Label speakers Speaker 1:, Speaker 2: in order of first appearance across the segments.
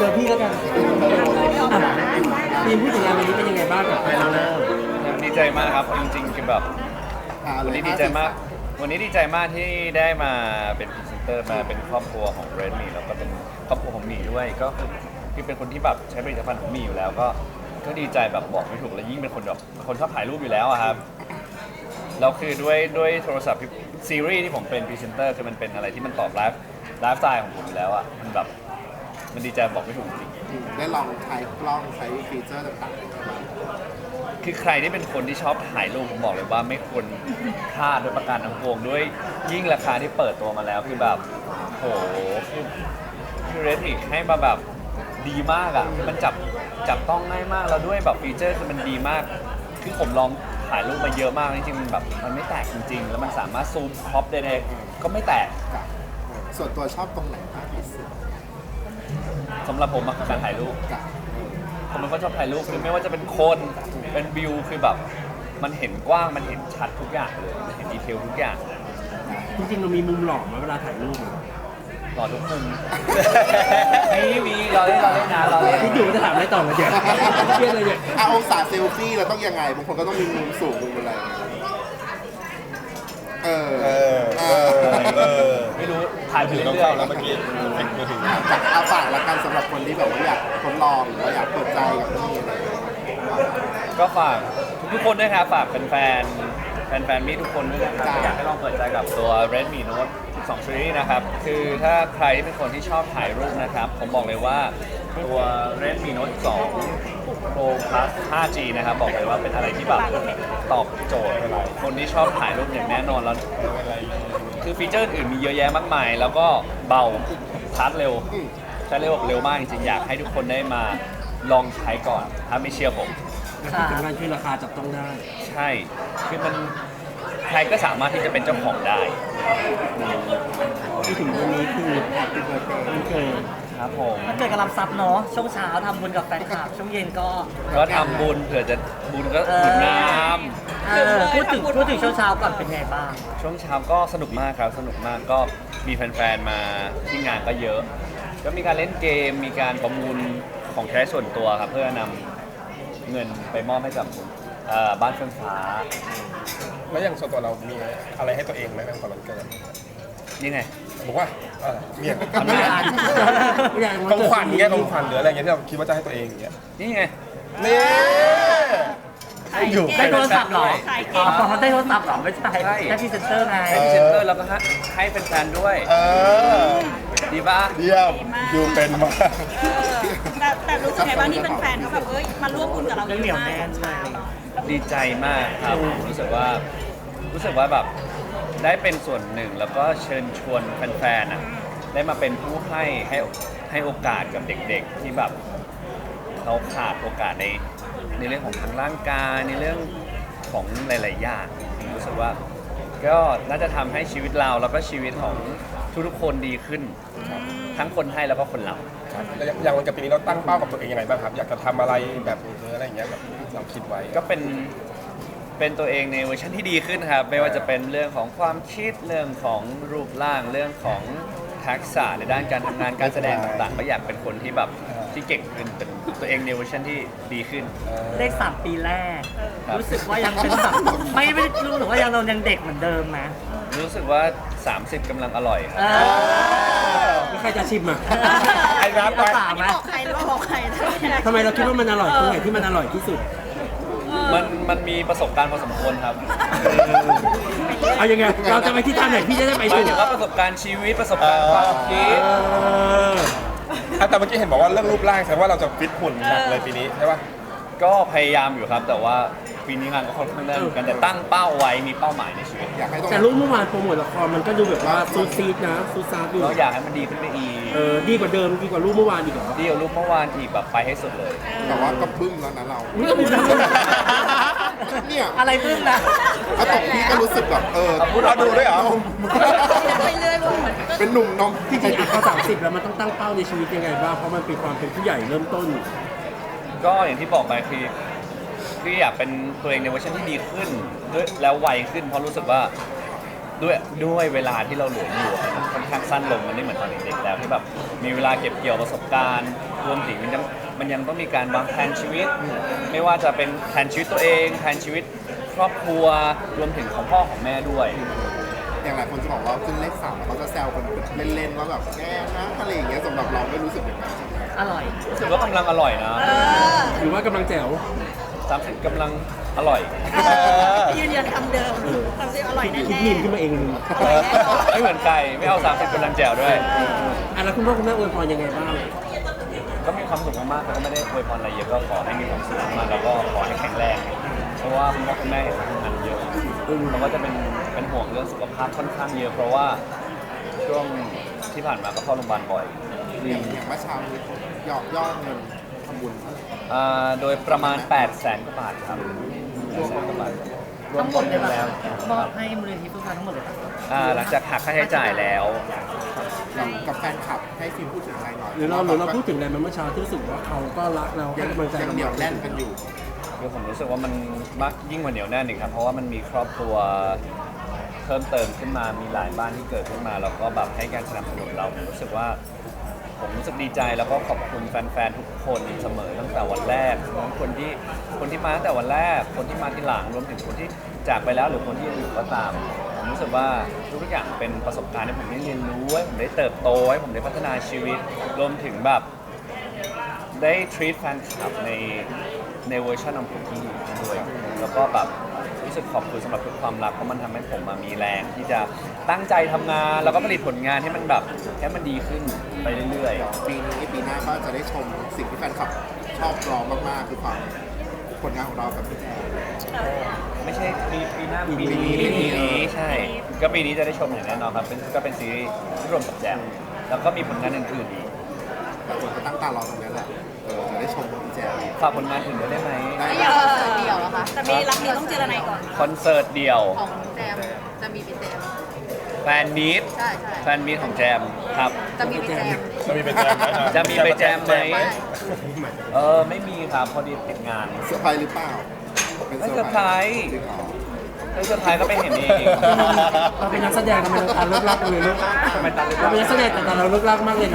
Speaker 1: จอพี่แล้วกันทีมผู้จัดงานวันนี้เป็นยังไงบ้างกับไฟนอลเลอร์
Speaker 2: ดีใจมากครับจริงๆคือแบบวันนี้ดีใจมากวันนี้ดีใจมากที่ได้มาเป็นพรีเซนเตอร์มาเป็นครอบครัวของเรดมี่แล้วก็เป็นครอบครัวของหมีด้วยก็คือเป็นคนที่แบบใช้ผลิตภัณฑ์ของหมีอยู่แล้วก็ดีใจแบบบอกไม่ถูกแล้วยิ่งเป็นคนแบบคนชอบถ่ายรูปอยู่แล้วอะครับเราคือด้วยโทรศัพท์ซีรีส์ที่ผมเป็นพรีเซนเตอร์คือมันเป็นอะไรที่มันตอบไลฟ์สไตล์ของผมอยู่แล้วอะมันแบบมันดีใจบอกไม่ถูกจริง
Speaker 3: ได้ลองใช้กล้องใช้ฟีเจอร์ต่าง
Speaker 2: ๆคือใครที่เป็นคนที่ชอบถ่ายรูปผมบอกเลยว่าไม่ควรพลาดด้วยประการทั้งปวงด้วยยิ่งราคาที่เปิดตัวมาแล้วคือแบบโหคือเรดมิให้มาแบบดีมากอ่ะมันจับต้องง่ายมากแล้วด้วยแบบฟีเจอร์คือมันดีมากคือผมลองถ่ายรูปมาเยอะมากจริงๆมันแบบมันไม่แตกจริงๆแล้วมันสามารถซูมครอปได้เลยก็ไม่แตก
Speaker 3: ส่วนตัวชอบตรงไหนมากที่สุด
Speaker 2: สำหรับผมคือการถ่ายรูปผมเป็นคนชอบถ่ายรูปคือไม่ว่าจะเป็นคนเป็นวิวคือแบบมันเห็นกว้างมันเห็นชัดทุกอย่างเลยมันเห็นดีเทลทุกอย่าง
Speaker 1: จริงๆเรามีมุมหล่อไหมเวลาถ่ายรูป
Speaker 2: หล่อทุกมุมมีเราเล่นนะเราเล่น
Speaker 1: ที่อยู่จะถามอะไรต่อมาเดี๋ยวเครียดเลยเนี่ย
Speaker 3: องศาเซลฟี่เราต้องยังไงบางคนก็ต้องมีมุมสูงมุมอะไร
Speaker 2: ไม่รู้ถ่ายไปเรื่อยๆแล้วเมื่อกี้
Speaker 3: เอาฝากละกันสำหรับคนที่แบบว่าอยากทดลองหรือว่าอยากเปิดใจกับที่นี่อะไร
Speaker 2: ก็ฝากทุกคนด้วยครับฝากแฟนมีทุกคนด้วยนะครับอยากให้ลองเปิดใจกับตัว Redmi Note 12 Series นะครับคือถ้าใครที่เป็นคนที่ชอบถ่ายรูปนะครับผมบอกเลยว่าตัว Redmi Note 2 Pro Plus 5G นะครับบอกเลยว่าเป็นอะไรที่แบบตอบโจทย์คนที่ชอบถ่ายรูปอย่างแน่นอนแล้วคือฟีเจอร์อื่นมีเยอะแยะมากมายแล้วก็เบาชาร์จเร็วใช้เร็วมากจริงๆอยากให้ทุกคนได้มาลองใช้ก่อนถ้าไม่เชื่อผม
Speaker 1: ที่สำคัญคือราคาจับต้องได้
Speaker 2: ใช่คือมันใครก็สามารถที่จะเป็นเจ้าของได้
Speaker 1: ที่ถึงวันนี้คือมันเกิด
Speaker 2: ครับผม
Speaker 4: มันเกิดกับรับทรัพย์เนาะช่วงเช้าทำบุญกับแฟนคลับช่วงเย็น
Speaker 2: ก็ทำบุญเผื่อจะบุญก็บุญน้
Speaker 4: ำพูดถึงช่วงเช้าก่อนเป็นไงบ้าง
Speaker 2: ช่วงเช้าก็สนุกมากครับสนุกมากก็มีแฟนๆมาที่งานก็เยอะก็มีการเล่นเกมมีการประมูลของใช้ส่วนตัวครับเพื่อนำเงินไปมอบให้กับบ้านเฟื่องฟ้า
Speaker 5: แล้วอย่างส่วนตัวเรามีอะไรให้ตัวเองไหมในวันเกิด
Speaker 2: นี่ไง
Speaker 5: บอกว่ามี
Speaker 1: ของ
Speaker 5: ขวัญเงี้ยของขวัญหรืออะไรเงี้ยที่เราคิดว่าจะให้ตัวเองอย่างเงี้ย
Speaker 2: นี่ไง
Speaker 5: นี่
Speaker 4: อยู่ได้โทรศัพท์หรอได้โทรศัพท์หรอไม่ใช่ได้พรีเซนเตอร์ไง
Speaker 2: ให้พรีเซนเตอร์แล้วก็ให้แฟนๆด้วยดีป่ะ
Speaker 5: เยี่ยมอยู่เป็นมาก
Speaker 6: แต่รู้สึกไงบ้างที่เป็นแฟนเขาแบบมาร่วมบุญกับเราเยอะมาก
Speaker 2: ดีใจมากครับรู้สึกว่าแบบได้เป็นส่วนหนึ่งแล้วก็เชิญชวนแฟนๆได้มาเป็นผู้ให้โอกาสกับเด็กๆที่แบบเขาขาดโอกาสในเรื่องของทางร่างกายในเรื่องของหลายๆอย่างรู้สึกว่าก็น่าจะทำให้ชีวิตเราแล้วก็ชีวิตของทุกๆคนดีขึ้นทั้งคนให้แล้วก็คนรับ
Speaker 5: อย่างวันกับปีนี้เราตั้งเป้ากับตัวเองยังไงบ้างครับอยากจะทำอะไรแบบอะไรอย่างเงี้ยแบบเราคิดไว้
Speaker 2: ก็เป็นตัวเองในเวอร์ชันที่ดีขึ้นครับไม่ว่าจะเป็นเรื่องของความคิดเรื่องของรูปร่างเรื่องของทักษะในด้านการทำงานการแสดงต่างๆก็อยากเป็นคนที่แบบที่เก่งขึ้นเป็นตัวเองในเวอร์ชันที่ดีขึ้น
Speaker 4: เลข3 ปีแรกรู้สึกว่ายังเป็นแบบไม่รู้สึกว่าเรายังเด็กเหมือนเดิมนะ
Speaker 2: รู้สึกว่า30กำลังอร่อย
Speaker 1: ไม่ใครจะชิมอ่ะ
Speaker 5: ไอ้รับไป
Speaker 6: บอกใครหรือว่าบอกใคร
Speaker 1: ทำไมเราคิดว่ามันอร่อยตรงไหนที่มันอร่อยที่สุด
Speaker 2: มันมีประสบการณ์พอสมควรครับ
Speaker 1: เอายังไงเราจะไปที่ท่าไหนพี่จะได้ไป
Speaker 2: ถึงว่าประสบการณ์ชีวิตประสบการณ์ความคิด
Speaker 5: แต่เมื่อกี้เห็นบอกว่าเรื่องรูปร่างแสดงว่าเราจะฟิตหุ่นหนักเลยปีนี้ใช่ป่ะ
Speaker 2: ก็พยายามอยู่ครับแต่ว่าปีนี้งานก็ค่อนข้างแน่นเหมือนกันแต่ตั้งเป้าไว้มีเป้าหมายในชีวิต
Speaker 1: แต่รูปเมื่อวานโปรโมทละครมันก็ดูแบบว่าซูซีดนะซูซาดอยู่
Speaker 2: เราอยากให้มันดีขึ้นไปอีก
Speaker 1: ดีกว่าเดิมดีกว่ารูปเมื่อวานอีกเหรอ
Speaker 2: ดีกว่ารูปเมื่อวานอีกแบบไปให้สุดเลย
Speaker 3: แต่ว่าก็บึ้มแล้วนะเราเนี่ย
Speaker 4: อะไรบึ้มนะ
Speaker 3: ถ้าตกพี่ก็รู้สึกแบบ
Speaker 5: พูดเราดูด้วยเหรอ
Speaker 6: ไปเรื่อย
Speaker 3: เป็นหนุ่มนม
Speaker 1: ที่จริงพอ30แล้วมันต้องตั้งเป้าในชีวิตยังไงบ้างเพราะมันเป็นความเป็นผู้ใหญ่เริ่มต้น
Speaker 2: ก็อย่างที่บอกไปคืออยากเป็นตัวเองในเวอร์ชันที่ดีขึ้นด้วยแล้วไวขึ้นเพราะรู้สึกว่าด้วยเวลาที่เราเหลืออยู่มันค่อนข้างสั้นลงมันไม่เหมือนตอนเด็กๆแล้วที่แบบมีเวลาเก็บเกี่ยวประสบการณ์รวมถึงมันยังต้องมีการวางแผนชีวิต ไม่ว่าจะเป็นแผนชีวิตตัวเองแผนชีวิตครอบครัวรวมถึงของพ่อของแม่ด้วย
Speaker 3: อย่างหลายคนจะบอกว่าขึ้นเลข3แล้วเขาจะแซวกันเล่นๆว่าแบบแกนะอะไรอย่างเงี้ยสำหรับเราไม่รู้สึกอย่างนั้นใช่ไหม
Speaker 4: อร่อย
Speaker 2: รู้สึกว่ากำลังอร่อยนะ
Speaker 1: หรือว่ากำลังแจ๋ว
Speaker 2: 30กำลังอร่อย
Speaker 6: ยืนยันคำเดิมคำที่อร่อยแน่
Speaker 1: คิด
Speaker 6: ๆ
Speaker 1: มีมขึ้นมาเองเลย
Speaker 2: ไม่เหมือนไก่ไม่เอา30กำลังแจ๋วด้วย
Speaker 1: แล้วคุณพ่อคุณแม่อวยพรยังไงบ้าง
Speaker 2: ก็มีความสุขมากๆแต่ก็ไม่ได้อวยพรอะไรเยอะก็ขอให้มีความสุขมากๆแล้วก็ขอให้แข็งแรง เพราะว่าคุณพ่อคุณแม่เห็นทำงานเยอะเขาก็จะเป็นห่วงเรื่องสุขภาพค่อนข้างเยอะ เพราะว่าช่วงที่ผ่านมาก็เข้าโรงพยาบาลบ่อย
Speaker 3: อย่างเมื่อเช้านี้ยอดเงินทำบุญ
Speaker 2: โดยประมาณ 800,000 กว่าบาทครับ800,000 กว่าบาทรว
Speaker 4: ทั้
Speaker 2: ม
Speaker 4: งหม
Speaker 2: ต้
Speaker 4: ด
Speaker 2: น
Speaker 4: เลย
Speaker 2: เงิน
Speaker 4: ป่ะ
Speaker 2: แล้ว
Speaker 4: มอบให้มูลนิธิเพื่อการทั้งหมดเลยป่ะ
Speaker 2: หลังจากหักค่าใช้จ่ายแล้ว
Speaker 3: กับแฟนคลับให้ฟิล์มพูดถึงอะไรหน่อย
Speaker 1: หรือเราพูดถึงอะไรมาเมื่อเช้าที่รู้สึกว่าเขาก็รักเราให้กำลังใจ
Speaker 3: ยัง
Speaker 1: เรา
Speaker 3: เหนียวแน่นกันอยู่
Speaker 2: คือผมรู้สึกว่ามันมากยิ่งกว่าเหนียวแน่นอีกครับ เพราะว่ามันมีครอบครัวเพิ่มเติมขึ้นมา มีหลายบ้านที่เกิดขึ้นมาแล้วก็แบบให้การสนับสนุนเราผมรู้สึกดีใจแล้วก็ขอบคุณแฟนๆทุกคนเสมอตั้งแต่วันแรกทั้งคนที่มาตั้งแต่วันแรก คนที่มาทีหลังรวมถึงคนที่จากไปแล้วหรือคนที่ยังอยู่ก็ตาม ผมรู้สึกว่าทุกอย่างเป็นประสบการณ์ที่ผมได้เรียนรู้ให้ผมได้เติบโตให้ผมได้พัฒนาชีวิต รวมถึงแบบได้ treat แฟนคลับในเวอร์ชันของผมที่ดีด้วยแล้วก็แบบรู้สึกขอบคุณสำหรับทุกความรักเพราะมันทำให้ผมมามีแรงที่จะตั้งใจทำงานแล้วก็ผลิตผลงานให้มันแบบให้มันดีขึ้นไปเรื่อยๆ
Speaker 3: ปีนี้ปีหน้าก็จะได้ชมสิ่งที่แฟนคลับชอบรอมากๆคือความผลงานของเรากับพี่แจ๊ค
Speaker 2: ไม่ใช่ปีหน้าปี
Speaker 3: ปีนี้
Speaker 2: นี้ใช่ ก็ปีนี้จะได้ชมอย่างแน่นอนครับก็เป็นซีรีส์ที่รวมกับแจมแล้วก็มีผลงานอื่นๆอีก
Speaker 3: แต่คนก็ตั้งตารอตรงนี้แหละจะได้ชมพี่แจ๊ค
Speaker 2: ฝากผลงานอื่นด้วยได้ไหม
Speaker 3: ได้
Speaker 7: เดี่ยวเดี่ยวเหรอคะ
Speaker 6: แต่มีรักนี้ต้องเจรนายก่อน
Speaker 2: คอนเสิร์ตเดี่ยว
Speaker 7: ของแจมจะมีเป็นแจม
Speaker 2: แฟนมีต
Speaker 7: ใช่ใช่
Speaker 2: แฟนมีตของแจมครับ
Speaker 7: จะมีเป็นแจม
Speaker 5: จะมีเป็นแจมไหม
Speaker 2: จะมีไปแจมไหม
Speaker 7: ไม่
Speaker 2: ไม่มีครับพอดีติดงาน
Speaker 3: เซอร์ไพรส์หรือเปล่าเป็น
Speaker 2: ไม่เซอร์ไพรส์
Speaker 3: จริงเหรอ
Speaker 2: ถ้าเซอร์ไพรส์ก็ไปเห็นเอง
Speaker 1: เราเป็นนักแสดงทำไมเราตาเลิกลักเลยลูก
Speaker 2: ทำไมตาเลือก
Speaker 1: เราเป็นนักแสดงแต่ตาเราเลิกลักมากเลยนะ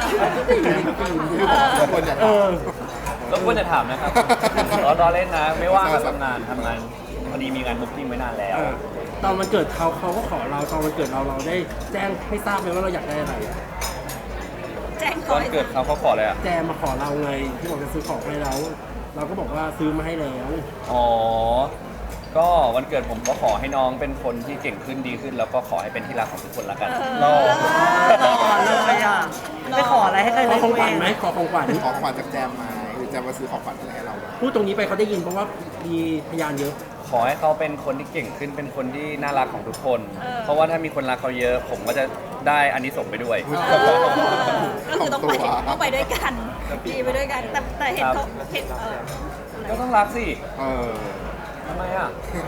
Speaker 3: ทุกคนจะ
Speaker 1: เออ
Speaker 2: รบกวนจะถามนะครับรอเล่นนะ ไม่ว่างก็ทำงานพอดีมีงานบุ๊กิ้งไว้นานแล้ว
Speaker 1: ตอนวันเกิดเขาก็ขอเราตอนวันเกิดเราได้แจ้งให้ทราบไหมว่าเราอยากได้อะไร
Speaker 6: แจ้ง
Speaker 2: ต
Speaker 6: ก่อ
Speaker 2: อน นเกิดเขาขอเลยอ่ะ
Speaker 1: แจมมาขอเราไงที่บอกจะซื้อของให้เราเราก็บอกว่าซื้อมาให้แล้ว
Speaker 2: อ๋อ ก็วันเกิดผมก็ขอให้น้องเป็นคนที่เก่งขึ้นดีขึ้น แล้วก็ขอให้เป็นที่รักของทุกคนละกัน
Speaker 4: รอเลยอ่ะไม่ขออะไรให้ใคร
Speaker 1: ข
Speaker 4: เล
Speaker 1: อย ของขวัญไหม
Speaker 4: เอง
Speaker 1: ขอของขวัญ
Speaker 3: ขอขวัญจากแจมมาหรือแจมมาซื้อของขวัญอะไรให้เรา
Speaker 1: พูดตรงนี้ไปเขาได้ยินเพราะว่ามีพยานเยอะ
Speaker 2: ขอให้เขาเป็นคนที่เก่งขึ้น เป็นคนที่น่ารักของทุกคน เพราะว่าถ้ามีคนรักเขาเยอะ ผมก็จะได้อันนี้ส่งส์ไปด้วย
Speaker 6: ก็คือต้องไปด้วยกันดีไปด้วยกัน แต่เห็นเขาเห็น
Speaker 2: ก็ต้องรักสิ
Speaker 3: เออ
Speaker 2: ทำไมอ่ะ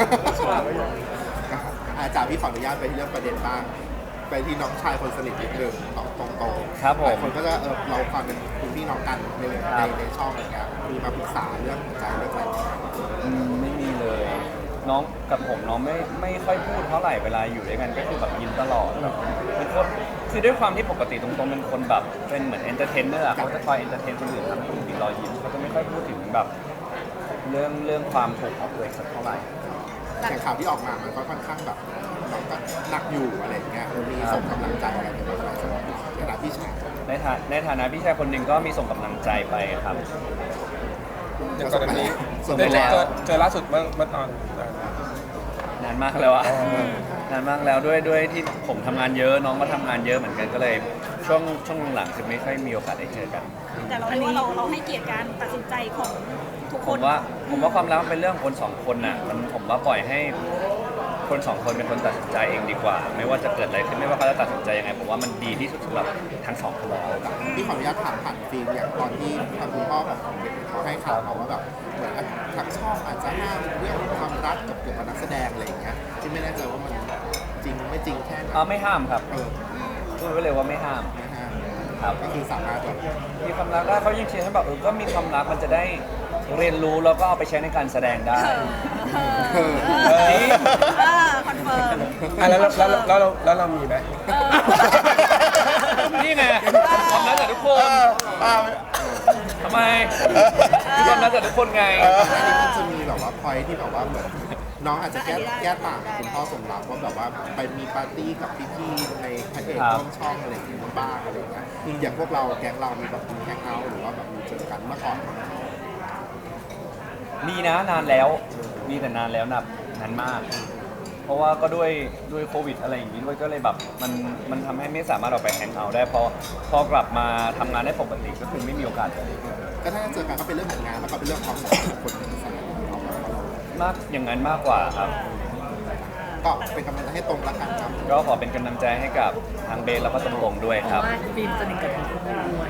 Speaker 3: อาจารย์พี่ขออนุญาตไปที่เรื่องประเด็นบ้างไปที่น้องชายคนสนิทนิดนึงน้องตรงๆ
Speaker 2: ครับผม
Speaker 3: หลายคนก็จะเราความเป็นคุณพี่น้องกันในช่องอะไรเงี้ยมีมาปรึกษาเรื่องหัวใจเรื่องอะไร
Speaker 2: ไม่มีเลย น้องกับผมน้องไม่ค่อยพูดเท่าไหร่เวลาอยู่ด้วยกันก็คือแบบยิ้มตลอดแบบเป็นคนคือด้วยความที่ปกติตรงๆเป็นคนแบบเป็นเหมือนเอนเตอร์เทนเนอร์เขาจะคอยเอนเตอร์เทนคนอื่นทำให้คนอื่นมีรอยยิ้มเขาจะไม่ค่อยพูดถึงแบบเรื่องความถูกข์ของตัวเองสักเท่าไหร่
Speaker 3: แต่ข่าวที่ออกมามันก็ค่อนข้างแบบน้องก็หนักอยู่อะไรเงี้ยมีส่งกำลังใจอะไรไปบ้างไหมสำหรับขณะพี่ชาย
Speaker 2: ในฐานะพี่ชายคนหนึ่งก็มีส่งกำลังใจไปครับ
Speaker 5: อย่างกรณี
Speaker 3: ส่ง
Speaker 2: ไปแล้ว
Speaker 5: เจอล่าสุดเมื่อตอน
Speaker 2: นานมากแล้วอะนานมากแล้วด้วยที่ผมทำงานเยอะน้องก็ทำงานเยอะเหมือนกันก็เลยช่วงหลังๆคือไม่ค่อยมีโอกาสได้เจอกัน
Speaker 6: แต่เราเรียกว่าเราให้เกียรติการตัดสินใจของทุกค
Speaker 2: ผม
Speaker 6: น
Speaker 2: ว่าความรักมันเป็นเรื่องคนสองคนน่ะผมว่าปล่อยให้คนสองคนเป็นคนตัดสินใจเองดีกว่า ไม่ว่าจะเกิดอะไรขึ้นไม่ว่าเขาจะตัดสินใจยังไงผมว่ามันดีที่สุดสำหรับทั้งสองคนแล้ว
Speaker 3: พี่ขออนุญาตถามผ่านฟิล์มอย่างตอนที่ทางคุณพ่อของเด็กเขาให้ข่าวมาว่าแบบเหมือนทางช่องอาจจะห้ามเรื่องความรักกับเกี่ยวกับนักแสดงอะไรอย่างเงี้ยที่ไม่แน่ใจว่ามันจริงไม่จริงแค่ไหน
Speaker 2: ไม่ห้ามครับพูดไว้เลยว่าไม่ห้าม
Speaker 3: ไม่ห้าม
Speaker 2: ครับ
Speaker 3: ก็คือสามารถแบบ
Speaker 2: มีความรักได้เขายังเชียร์ให้แบบก็มีความรักมันจะได้เรียนรู้แล้วก็เอาไปใช้ในการแสดงได้ จริง
Speaker 6: คอนเฟิร์ม
Speaker 5: แล้วเรามีไหม
Speaker 2: ทำไมยอมรับจากทุกคนไง
Speaker 3: อันนี้มันจะมีแบบว่าพอยที่แบบว่าเหมือนน้องอาจจะแก้ต่างกับคุณพ่อสมรักว่าแบบว่าไปมีปาร์ตี้กับพี่ๆในพระเอก
Speaker 2: ครับ
Speaker 3: ร่วมช่องอะไรอย่างเงี้ยบ้างอะไรอย่างเงี้ยอย่างพวกเราแก๊งเรามีแบบมีแฮงเอาท์หรือว่าแบบมีเจอกันเมื่อก่อนไหม
Speaker 2: มีนะนานแล้ว มีแต่นานแล้วนานมาก เพราะว่าก็ด้วยโควิดอะไรอย่างนี้ด้วยก็เลยแบบมันทำให้ไม่สามารถออกไปแฮงเอาท์ได้พอกลับมาทำงานได้ปกติก็คือไม่มีโอกาสเลย
Speaker 3: ก็ถ้าเจอกันก็เป็นเรื่องของงานแล้วก็เป็นเรื่องความสัมพันธ์ของคนในสมัยนี้เรา
Speaker 2: มากอย่างนั้นมากกว่าครับ
Speaker 3: ก็เป็นกำลังใจให้ตรงละกันครับ
Speaker 2: ก็ขอเป็นกำลังใจให้กับทางเบสแล้วก็ตรงๆด้วย
Speaker 4: เพ
Speaker 2: ครับ
Speaker 4: ราะว่าฟิล์มสนิทกับทั้งคู่ด้วย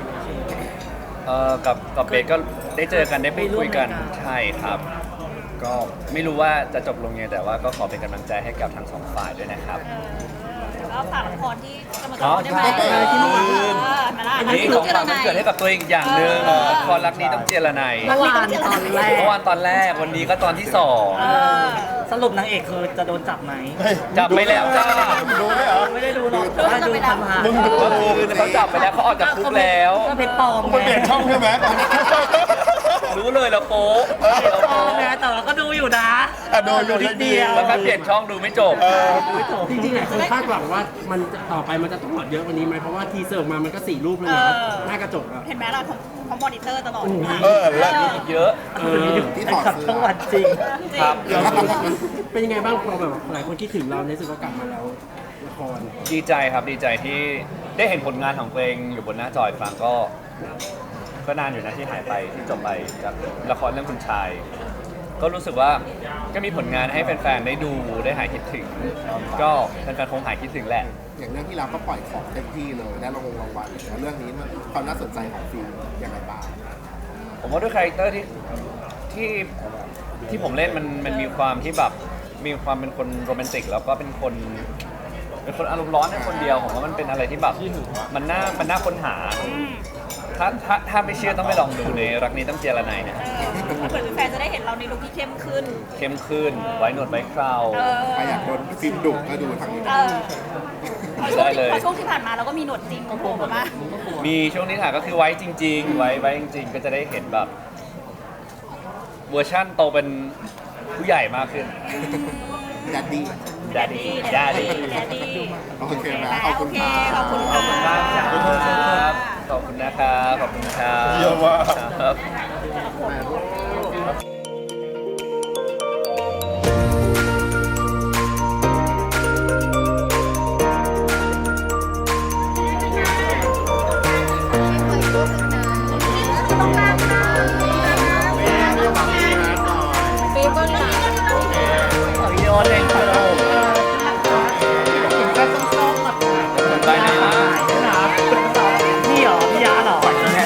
Speaker 2: กับเบสก็ได้เจอกันได้พูดคุยกัน
Speaker 4: ไปร่วมรายการ
Speaker 2: ใช่ครับ ก็ไม่รู้ว่าจะจบลงยังไงแต่ว่าก็ขอเป็นกำลังใจให้กับทั้งสองฝ่ายด้วยนะครับ
Speaker 6: แล้วก็ฝากละครที่กำลังจะ
Speaker 2: อ๋
Speaker 6: อ
Speaker 2: อ
Speaker 6: อนได้ไหม
Speaker 2: ใช่
Speaker 6: ที่เมื่อวาน
Speaker 2: ลืม
Speaker 6: มาละ
Speaker 2: อันนี้ของฝากมันเกิดให้กับตัวเองอีกอย่างหนึ่งคอรักนี้ต้องเจรไนย
Speaker 4: เมื่อวานตอนแรก
Speaker 2: เมื่อวานตอนแรกวันนี้ก็ตอนที่สอง
Speaker 6: เออ
Speaker 4: สรุปนางเอกคือจะโดนจับไหม
Speaker 2: จับไปแล้วจ้า
Speaker 3: ดูไหมเหรอ
Speaker 4: ไม่ได้ดูหรอกแต่ว่าดูผ่านๆ
Speaker 3: มึงดู
Speaker 2: ก็คือเขาจับไปแล้วเขาออกจากคุกแล้ว
Speaker 4: ก็เพชรปลอม
Speaker 3: มันเปลี่ยนช่องใช่ไหม
Speaker 2: รู้เลยเราโป๊ะ
Speaker 4: เพชรปลอมไงแต่เราก็ดูอยู่นะ
Speaker 3: โดนอยู่นิดเดียว
Speaker 2: แล้วก็เปลี่ยนช่องดูไม่จบ
Speaker 1: จริงๆหลายคนคาดหวังว่ามันจะต่อไปมันจะต้องหมดเยอะกว่านี้ไหมเพราะว่าทีเซอร์ออกมามันก็4 รูปแล้วนะหน้ากระจกอะ
Speaker 6: เห็นไหมเราของมอนิเตอร์ตลอด
Speaker 3: แล้ว
Speaker 2: เยอะ
Speaker 3: ที่ถอด
Speaker 4: ขับ
Speaker 3: เสื้
Speaker 4: ทั้ง
Speaker 3: อ
Speaker 4: วันจริง
Speaker 2: ครับ
Speaker 1: เป็นยังไงบ้างพอแบบหลายคนคิดถึงเราในสึกว่ากลับมาแล้วละคร
Speaker 2: ดีใจครับดีใจที่ได้เห็นผลงานของตัวเองอยู่บนหน้าจออีกครั้งก็นานอยู่นะที่หายไปที่จบไปจากละครเรื่องคุณชาย ก็รู้สึกว่าก็มีผลงานให้แฟนๆได้ดูได้หายคิดถึง ก็แฟนๆคงหายคิดถึงแหละ
Speaker 3: อย่างเรื่องที่เราก็ปล่อยของเต็มที่เลยได้รางวัลแล้วเรื่องนี้มันความน่าสนใจของฟิล์มยังไงบ้าง
Speaker 2: ผมว่าด้วยคาแรคเตอร์ที่ผมเล่นมันมีความที่แบบมีความเป็นคนโรแมนติกแล้วก็เป็นคนอารมณ์ร้อนในคนเดียวผมว่ามันเป็นอะไรที่แบบมันน่าค้นหา ถ้าไม่เชื่อต้องไปลองดูในรักนี้ต้องเจรไนยเนี่ย
Speaker 6: เหมือนแฟนจะได้เห็นเราในลุคที่เข้มขึ้น
Speaker 2: เข้มขึ้นไว้หนวดไว้เครา
Speaker 3: ใครอยากโดนฟิล์มดุก็ดูทางนี้
Speaker 6: เออพอช่วงที่ผ่านมาเราก็มีหนวดจริงโผล่มา
Speaker 2: มีช่วงนี้ถ่ายก็คือไว้จริง ๆ ไว้จริง ๆ ก็จะได้เห็นแบบเวอร์ชั่นโตเป็นผู้ใหญ่มากขึ้น
Speaker 3: ดัดดี้
Speaker 2: Daddy
Speaker 6: แดด
Speaker 2: Daddy
Speaker 6: ดี้
Speaker 3: โอเคนะขอบคุณ
Speaker 6: โอเค
Speaker 3: ครับ
Speaker 6: ขอบคุณ
Speaker 2: ขอบคุณมากครับขอบคุณนะครับขอบคุณครับ
Speaker 5: เยี่ยมมาก
Speaker 2: ครับ
Speaker 7: ปีก็หนา
Speaker 4: วิดีโอเล่นไปแล้ว
Speaker 2: ไปไหนล่ะ
Speaker 4: นี่เหรอพี่ยาเหรอ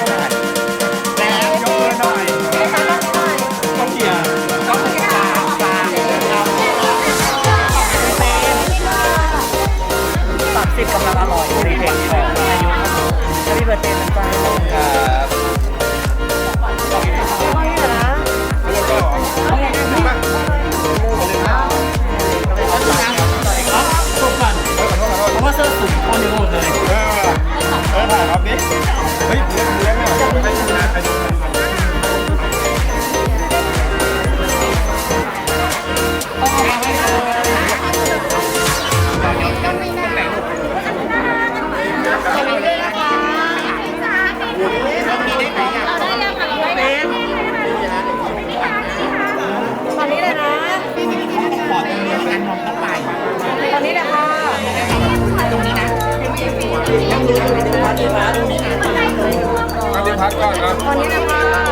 Speaker 4: 30กำลังอร่อยในเพลงของอายุแล้วพี่เบิร์ดเต้นมันไป
Speaker 2: ครับ
Speaker 1: เพราะว่าเสื้อสูงคนเดียวหมดเลย
Speaker 5: ถ่ายครับนี่เฮ้ยเลี้ยงเนี่ยให้ดูนะให้ดูพักก่อนนะ
Speaker 7: วันนี้นะคะ